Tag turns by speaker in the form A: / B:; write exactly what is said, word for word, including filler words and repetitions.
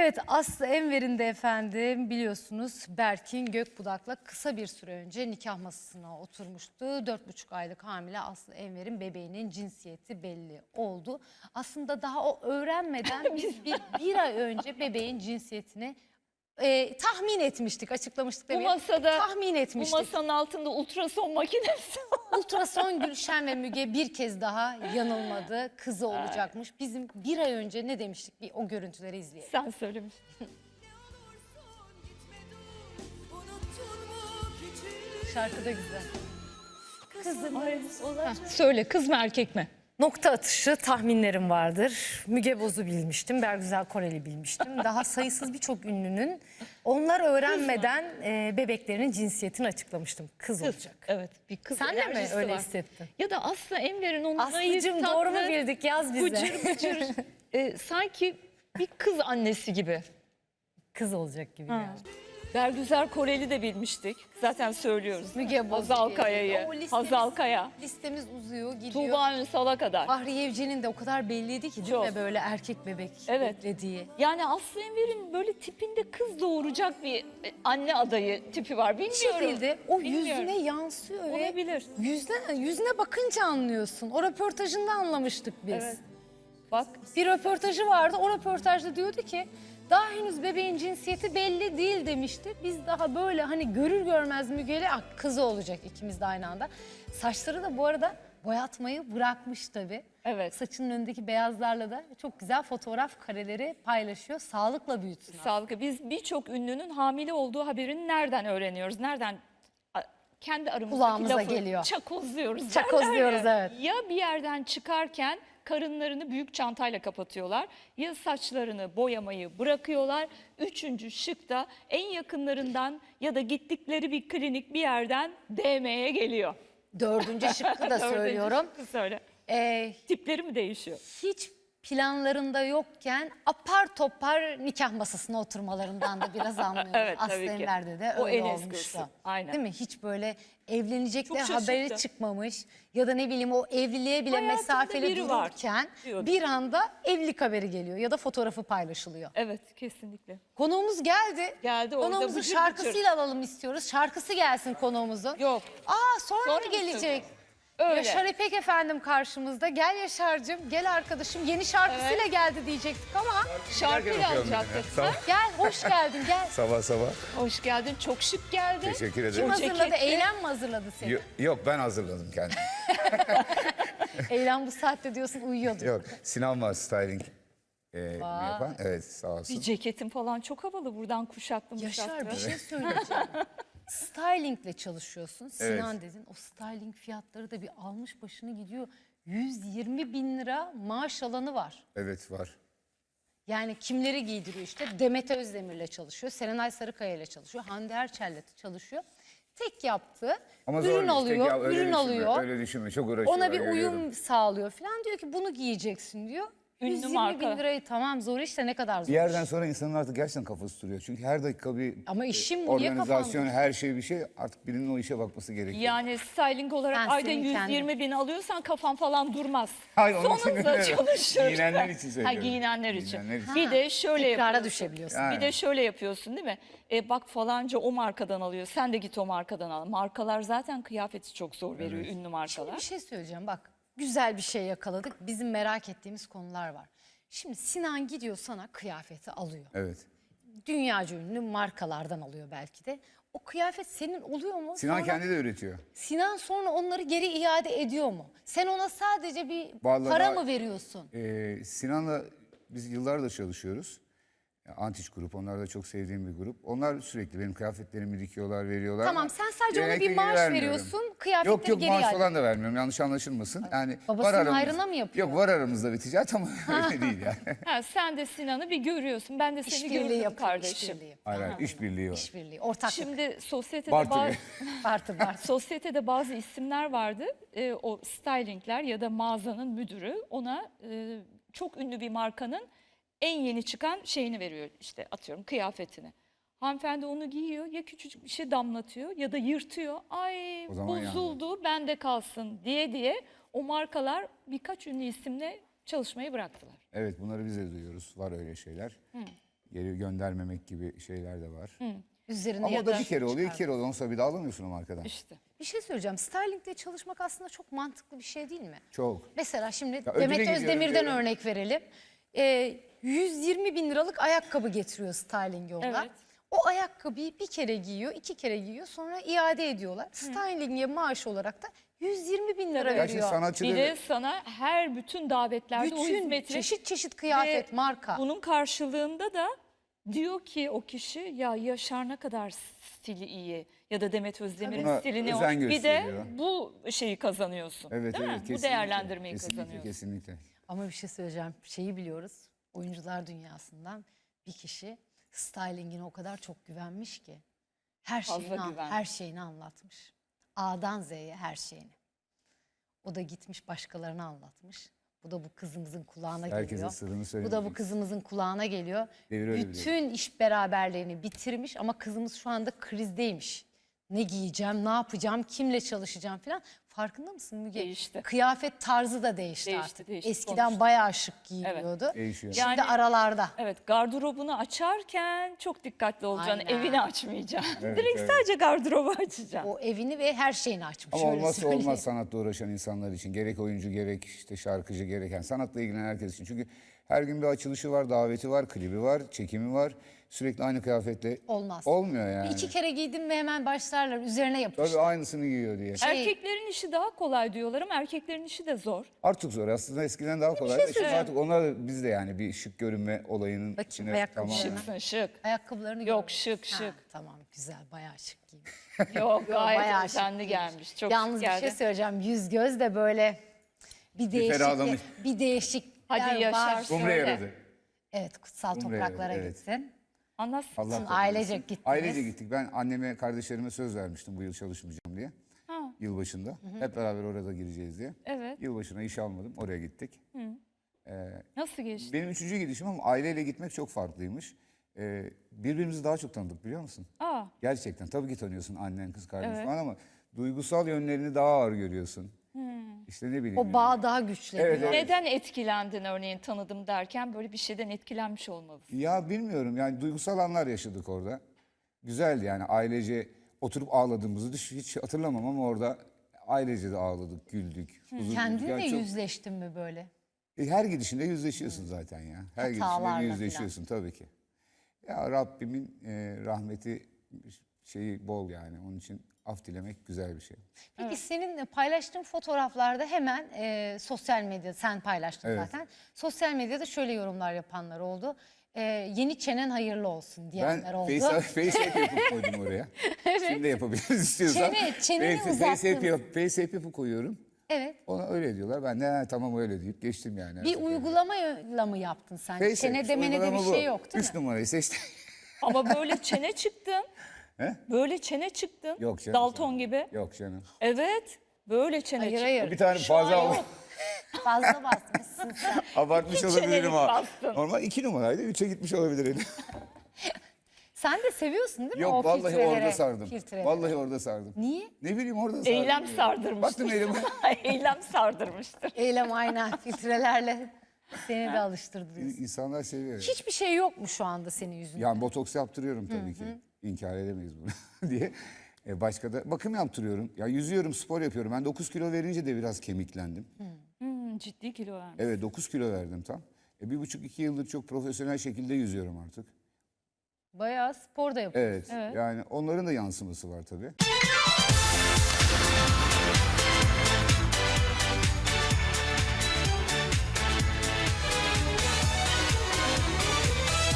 A: Evet, Aslı Enver'in de efendim biliyorsunuz Berkin Gökbudak'la kısa bir süre önce nikah masasına oturmuştu. Dört buçuk aylık hamile Aslı Enver'in bebeğinin cinsiyeti belli oldu. Aslında daha o öğrenmeden biz bir, bir ay önce bebeğin cinsiyetini e, tahmin etmiştik, açıklamıştık
B: Bu
A: demeyeyim.
B: masada,
A: tahmin
B: bu
A: etmiştik.
B: masanın altında ultrason makinesi var.
A: Ultrason Gülşen ve Müge bir kez daha yanılmadı. Kızı olacakmış. Bizim bir ay önce ne demiştik? Bir o görüntüleri izleyelim.
B: Sen söylemiştin.
A: Şarkı da güzel.
B: Kızımız olacak. Söyle, kız mı erkek mi?
A: Nokta atışı tahminlerim vardır. Müge Boz'u bilmiştim, Bergüzar Koreli bilmiştim. Daha sayısız birçok ünlünün onlar öğrenmeden e, bebeklerinin cinsiyetini açıklamıştım. Kız,
B: Kız.
A: olacak.
B: Evet, bir kız
A: Sen de mi
B: enerjisi
A: öyle
B: var.
A: hissettin?
B: Ya da Aslı Enver'in o naif,
A: Aslıcığım
B: tatlı,
A: doğru mu bildik? Yaz bize.
B: bıcır bıcır, e, sanki bir kız annesi gibi.
A: Kız olacak gibi
B: Ha.
A: geldi.
B: Bergüzar Koreli de bilmiştik. Zaten söylüyoruz.
A: Müge Boz.
B: Hazal
A: diye.
B: Kaya'yı.
A: O listemiz-
B: Hazal Kaya.
A: Listemiz uzuyor, gidiyor.
B: Tuğba Ünsal'a kadar.
A: Fahriye Evcen'in de o kadar belliydi ki değil
B: Çok.
A: mi böyle erkek bebek
B: Evet.
A: beklediği.
B: Yani Aslı Enver'in böyle tipinde kız doğuracak bir e, anne adayı tipi var.
A: Bir
B: Bilmiyorum.
A: şekilde o
B: Bilmiyorum.
A: yüzüne yansıyor ve
B: Olabilir.
A: yüzüne, yüzüne bakınca anlıyorsun. O röportajında anlamıştık biz.
B: Evet. Bak,
A: Bir röportajı vardı. O röportajda diyordu ki daha henüz bebeğin cinsiyeti belli değil demişti. Biz daha böyle hani görür görmez Müge'yle ah, kızı olacak ikimiz de aynı anda. Saçları da bu arada boyatmayı bırakmış tabii.
B: evet.
A: Saçının önündeki beyazlarla da çok güzel fotoğraf kareleri paylaşıyor. Sağlıkla büyütsün.
B: Sağlıklı. Biz birçok ünlünün hamile olduğu haberini nereden öğreniyoruz? Nereden? A- Kendi aramızdaki
A: Kulağımıza
B: lafı
A: geliyor.
B: çakozluyoruz.
A: Çakozluyoruz,
B: derler ya.
A: evet.
B: Ya bir yerden çıkarken karınlarını büyük çantayla kapatıyorlar. Ya saçlarını boyamayı bırakıyorlar. Üçüncü şıkta en yakınlarından ya da gittikleri bir klinik bir yerden D M'ye geliyor.
A: Dördüncü şıkkı da
B: Dördüncü
A: söylüyorum.
B: şıkkı söyle.
A: Ee,
B: Tipleri mi değişiyor?
A: hiç planlarında yokken apar topar nikah masasına oturmalarından da biraz anlıyoruz.
B: Evet,
A: Aslı
B: tabii ki.
A: Enver'de de
B: O
A: öyle
B: en
A: olmuştu.
B: eskisi. Aynen.
A: Değil mi? Hiç böyle evlenecekler
B: Çok
A: haberi
B: şaşırttı.
A: çıkmamış ya da ne bileyim o evliliğe bile
B: Hayatımda
A: mesafeli
B: biri var
A: dururken
B: diyordu.
A: bir anda evlilik haberi geliyor ya da fotoğrafı paylaşılıyor.
B: Evet, kesinlikle.
A: Konuğumuz geldi.
B: Geldi, orada
A: Konuğumuzun
B: bıcır
A: şarkısıyla
B: bıcır.
A: alalım istiyoruz. Şarkısı gelsin konuğumuzun.
B: Yok.
A: Aa sonra,
B: Sonra
A: mı
B: mı
A: gelecek?
B: Öyle.
A: Yaşar İpek efendim karşımızda. Gel Yaşar'cığım, gel arkadaşım. Yeni şarkısıyla geldi diyecektik ama
B: Şarkıyla alacaktık.
C: Sağ,
A: gel hoş geldin gel.
C: sabah sabah.
B: Hoş geldin. Çok şık geldin.
C: Teşekkür
A: Kim
C: ederim.
A: hazırladı?
B: ceketli.
A: Eylem mi hazırladı seni?
C: Yo- Yok ben hazırladım kendimi.
A: Eylem bu saatte diyorsun uyuyordu.
C: Yok Sinan var styling e, yapan. Evet sağ olsun.
B: Bir ceketin falan çok havalı. Buradan kuşaklı
A: Yaşar
B: muşaklı.
A: bir şey söyleyeceğim. Stylingle çalışıyorsun. Sinan dedin. O styling fiyatları da bir almış başını gidiyor. yüz yirmi bin lira maaş alanı var.
C: Evet var.
A: Yani kimleri giydiriyor işte? Demet Özdemir'le çalışıyor. Serenay Sarıkaya ile çalışıyor. Hande Erçel'le çalışıyor. Tek yaptığı
C: Ama zor
A: ürün
C: bir iş.
A: alıyor,
C: Peki ya, öyle
A: ürün
C: düşünme,
A: alıyor.
C: Öyle düşünme çok uğraşıyor.
A: Ona bir
C: görüyorum.
A: uyum sağlıyor falan. Diyor ki bunu giyeceksin diyor.
B: Ünlü
A: yüz yirmi
B: marka.
A: bin lirayı tamam zor işte ne kadar zor.
C: Bir yerden sonra insanın artık gerçekten kafası duruyor. Çünkü her dakika bir
A: Ama işim
C: e,
A: bu, niye
C: organizasyon,
A: kafan
C: her şey bir şey. Artık birinin o işe bakması gerekiyor.
B: Yani styling olarak
A: Sen
B: ayda
A: senin
B: yüz yirmi
A: kendin.
B: bin alıyorsan kafan falan durmaz.
C: Hayır, onun için
B: Sonunda
C: demiyorum.
B: çalışır.
C: Giyinenler için
B: Ha,
C: söylüyorum.
B: giyinenler için.
C: Giyinenler için.
B: Bir de şöyle
A: Tekrara
B: yapıyorsun.
A: düşebiliyorsun.
C: Yani.
B: Bir de şöyle yapıyorsun değil mi? E, bak falanca o markadan alıyor. Sen de git o markadan al. Markalar zaten kıyafeti çok zor veriyor, ünlü
A: Şimdi
B: markalar.
A: bir şey söyleyeceğim bak. Güzel bir şey yakaladık. Bizim merak ettiğimiz konular var. Şimdi Sinan gidiyor sana kıyafeti alıyor.
C: Evet.
A: Dünyaca ünlü markalardan alıyor belki de. O kıyafet senin oluyor mu?
C: Sinan
A: Sonra-
C: kendi de üretiyor.
A: Sinan sonra onları geri iade ediyor mu? Sen ona sadece bir
C: Vallahi
A: para
C: daha-
A: mı veriyorsun?
C: Ee, Sinan'la biz yıllardır çalışıyoruz. Antiç grup, onlar da çok sevdiğim bir grup. Onlar sürekli benim kıyafetlerimi dikiyorlar, veriyorlar.
A: Tamam,
C: ama
A: sen sadece ona
C: genellikle
A: bir
C: geri
A: maaş
C: vermiyorum.
A: veriyorsun, kıyafetleri
C: Yok yok
A: geri
C: maaş
A: iade
C: falan da vermiyorum, yanlış anlaşılmasın. Yani
A: Babasının
C: var aramız-
A: hayrına mı yapıyor?
C: Yok var aramızda bir ticaret ama öyle değil yani.
B: Ha, sen de Sinan'ı bir görüyorsun. Ben de seni
A: İşbirliği
B: gördüm
A: yapıyor,
B: kardeşim.
A: işbirliği.
C: Hayır hayır, işbirliği var.
A: İşbirliği, ortaklık.
B: Şimdi sosyetede
C: Bartı
B: bazı,
C: gibi.
A: Bartı, bartı.
B: sosyetede bazı isimler vardı. E, o stylingler ya da mağazanın müdürü ona e, çok ünlü bir markanın en yeni çıkan şeyini veriyor, işte atıyorum kıyafetini. Hanımefendi onu giyiyor, ya küçücük bir şey damlatıyor ya da yırtıyor. Ay
C: O zaman
B: bozuldu, bende kalsın diye diye o markalar birkaç ünlü isimle çalışmayı bıraktılar.
C: Evet bunları biz de duyuyoruz, var öyle şeyler. geri göndermemek gibi şeyler de var.
A: Üzerine
C: Ama o da bir
A: yaklaşık
C: kere oluyor, iki
A: çıkar.
C: kere oluyor. Ondan bir daha alamıyorsun o markadan.
B: İşte.
A: Bir şey söyleyeceğim. Stylingle çalışmak aslında çok mantıklı bir şey değil mi?
C: Çok.
A: Mesela şimdi
C: Ya ödüle
A: Demet
C: gidiyorum
A: Özdemir'den
C: diyorum.
A: örnek verelim. Ee, yüz yirmi bin liralık ayakkabı getiriyor styling yollar.
B: Evet.
A: O ayakkabıyı bir kere giyiyor, iki kere giyiyor, sonra iade ediyorlar. Styling'e maaş olarak da yüz yirmi bin lira
C: Ya şimdi
A: veriyor.
C: sanatçı
B: Bir
C: da-
B: de sana her bütün davetlerde o
A: Bütün
B: hizmeti
A: çeşit çeşit kıyafet,
B: ve
A: marka.
B: bunun karşılığında da diyor ki o kişi ya Yaşar ne kadar stili iyi ya da Demet Özdemir'in
C: Buna
B: stili ne
C: özen
B: hoş. Bir de
C: gösteriyor.
B: bu şeyi kazanıyorsun.
C: Evet,
B: değil
C: evet,
B: mi? Bu
C: kesinlikle.
B: değerlendirmeyi
C: kesinlikle,
B: kazanıyorsun.
C: Kesinlikle.
A: Ama bir şey söyleyeceğim. Şeyi biliyoruz. Oyuncular dünyasından bir kişi styling'ine o kadar çok güvenmiş ki her
B: Fazla
A: şeyini an-
B: güven.
A: her şeyini anlatmış. A'dan Z'ye her şeyini. O da gitmiş başkalarına anlatmış. Bu da bu kızımızın kulağına
C: Herkese
A: geliyor.
C: sırrını
A: Bu da bu
C: söylemeyeceksin.
A: kızımızın kulağına geliyor.
C: Devir öyle bir
A: Bütün iş beraberliğini bitirmiş ama kızımız şu anda krizdeymiş. Ne giyeceğim, ne yapacağım, kimle çalışacağım falan. Farkında mısın Müge?
B: Değişti.
A: Kıyafet tarzı da değişti,
B: Değişti,
A: artık.
B: değişti,
A: Eskiden
B: konuştuk.
A: bayağı şık giyiniyordu.
C: Değişiyor.
A: Şimdi
B: Yani-
A: aralarda.
B: Evet, gardırobunu açarken çok dikkatli olacaksın.
A: Aynen.
B: Evini açmayacaksın.
C: Evet,
B: Direkt
C: evet.
B: sadece gardırobu açacaksın.
A: O evini ve her şeyini açmış.
C: Ama
A: öyle
C: olmazsa
A: söyleyeyim.
C: olmaz sanatla uğraşan insanlar için. Gerek oyuncu gerek işte şarkıcı gereken sanatla ilgilenen herkes için. Çünkü her gün bir açılışı var, daveti var, klibi var, çekimi var. Sürekli aynı kıyafetle
A: Olmaz.
C: olmuyor yani.
A: İki kere giydim mi hemen başlarlar üzerine yapıştı.
C: Tabii aynısını giyiyor diye.
A: Şey-
B: Erkeklerin işi daha kolay diyorlar ama erkeklerin işi de zor.
C: Artık zor. Aslında eskiden daha kolay.
A: şey
C: Şimdi artık onlar da biz de yani bir şık görünme olayının
A: Bakayım,
C: içine
A: ayakkabı
C: tamamen-
B: Şıksın şık.
A: Ayakkabılarını
B: Yok,
A: gördüm.
B: şık,
A: Ha,
B: şık.
A: Tamam güzel bayağı şık giymiş.
B: Yok gayet
A: bayağı
B: özenli
A: şık
B: gelmiş. Çok
A: Yalnız
B: şık
A: bir şey
B: geldi.
A: söyleyeceğim. Yüz göz de böyle bir değişik
C: ferahlamış.
A: bir değişiklikler
B: Hadi Yaşar,
A: var.
B: söyle.
C: Umre yaradı.
A: Evet kutsal
C: Umre
A: topraklara
C: yaradı, evet.
A: gittin.
B: Anlatsın.
C: Allah
A: Sizin
C: kabul
A: ailecek
C: etsin.
A: gittiniz.
C: Ailece gittik. Ben anneme, kardeşlerime söz vermiştim bu yıl çalışmayacağım diye.
B: Ha.
C: Yılbaşında. Hep beraber orada gireceğiz diye.
B: Evet.
C: Yılbaşına iş almadım. Oraya gittik.
B: Nasıl geçti?
C: Benim üçüncü gidişim ama aileyle gitmek çok farklıymış. Ee, birbirimizi daha çok tanıdık biliyor musun?
B: Aa,
C: Gerçekten. Tabii ki tanıyorsun annen, kız kardeş
B: Evet.
C: falan ama duygusal yönlerini daha ağır görüyorsun. İşte ne bileyim.
A: O bağ daha güçleniyor.
C: Evet, evet.
B: neden etkilendin örneğin tanıdım derken böyle bir şeyden etkilenmiş olmalısın.
C: Ya bilmiyorum yani duygusal anlar yaşadık orada. Güzeldi yani ailece oturup ağladığımızı düş- hiç hatırlamam ama orada ailece de ağladık, güldük. huzur bulduk.
A: Kendinle
C: Yani çok-
A: yüzleştin mi böyle?
C: E, her gidişinde yüzleşiyorsun zaten ya. Her gidişinde
A: Hatalarla
C: bir yüzleşiyorsun tabii ki. Ya Rabbimin e, rahmeti şeyi bol yani. Onun için af dilemek güzel bir şey.
A: Peki senin paylaştığın fotoğraflarda hemen e, sosyal medyada sen paylaştın
C: Evet.
A: zaten. Sosyal medyada şöyle yorumlar yapanlar oldu. E, yeni çenen hayırlı olsun
C: Ben
A: diyenler oldu.
C: face, face app yapıp koydum oraya. Şimdi de yapabiliriz istiyorsan.
A: Çene- çeneni
C: face, face, app,
A: uzattın.
C: yap- face app yapıp koyuyorum.
A: Evet.
C: Ona öyle diyorlar. Ben de "Ha, tamam öyle deyip geçtim yani.
A: Bir uygulamayla mı yaptın sen?
C: Face
A: Çene
C: app,
A: demene de
C: uygulama
A: bir
C: bu.
A: şey yok değil
C: Üç
A: mi?
C: numarayı seçtim.
B: Ama böyle çene çıktın.
C: He?
B: Böyle çene çıktın.
C: Yok canım.
B: Dalton gibi.
C: Yok canım.
B: Evet. Böyle çene
A: Hayır
B: çıktın.
A: hayır.
C: Bir tane
B: Şu an
C: fazla
B: yok.
C: aldım.
A: Fazla basmışsın sen.
C: Abartmış
B: İki
C: olabilirim
B: çenelik
C: ha.
B: bastın.
C: Normal iki numaraydı. Üçe gitmiş olabilir elim.
A: Sen de seviyorsun değil mi
C: Yok
A: o
C: vallahi
A: filtrelere,
C: orada sardım.
A: filtreleri?
C: Vallahi orada sardım.
A: Niye?
C: Ne bileyim orada sardım.
B: Eylem
C: ya.
B: sardırmıştır.
C: Baktım eylem.
B: Eylem sardırmıştır.
A: Eylem aynen filtrelerle seni de alıştırdınız.
C: İnsanlar seviyor.
A: Hiçbir şey yok mu şu anda senin yüzünde?
C: Yani botoks yaptırıyorum tabii ki. İnkar edemeyiz bunu diye. E başka da bakım yaptırıyorum. Ya yüzüyorum, spor yapıyorum. Ben dokuz kilo verince de biraz kemiklendim.
B: Hmm, ciddi kilo vermiş.
C: Evet dokuz kilo verdim tam. E bir buçuk iki yıldır çok profesyonel şekilde yüzüyorum artık.
A: Bayağı spor da yapıyorsun.
C: Evet, yani onların da yansıması var tabii.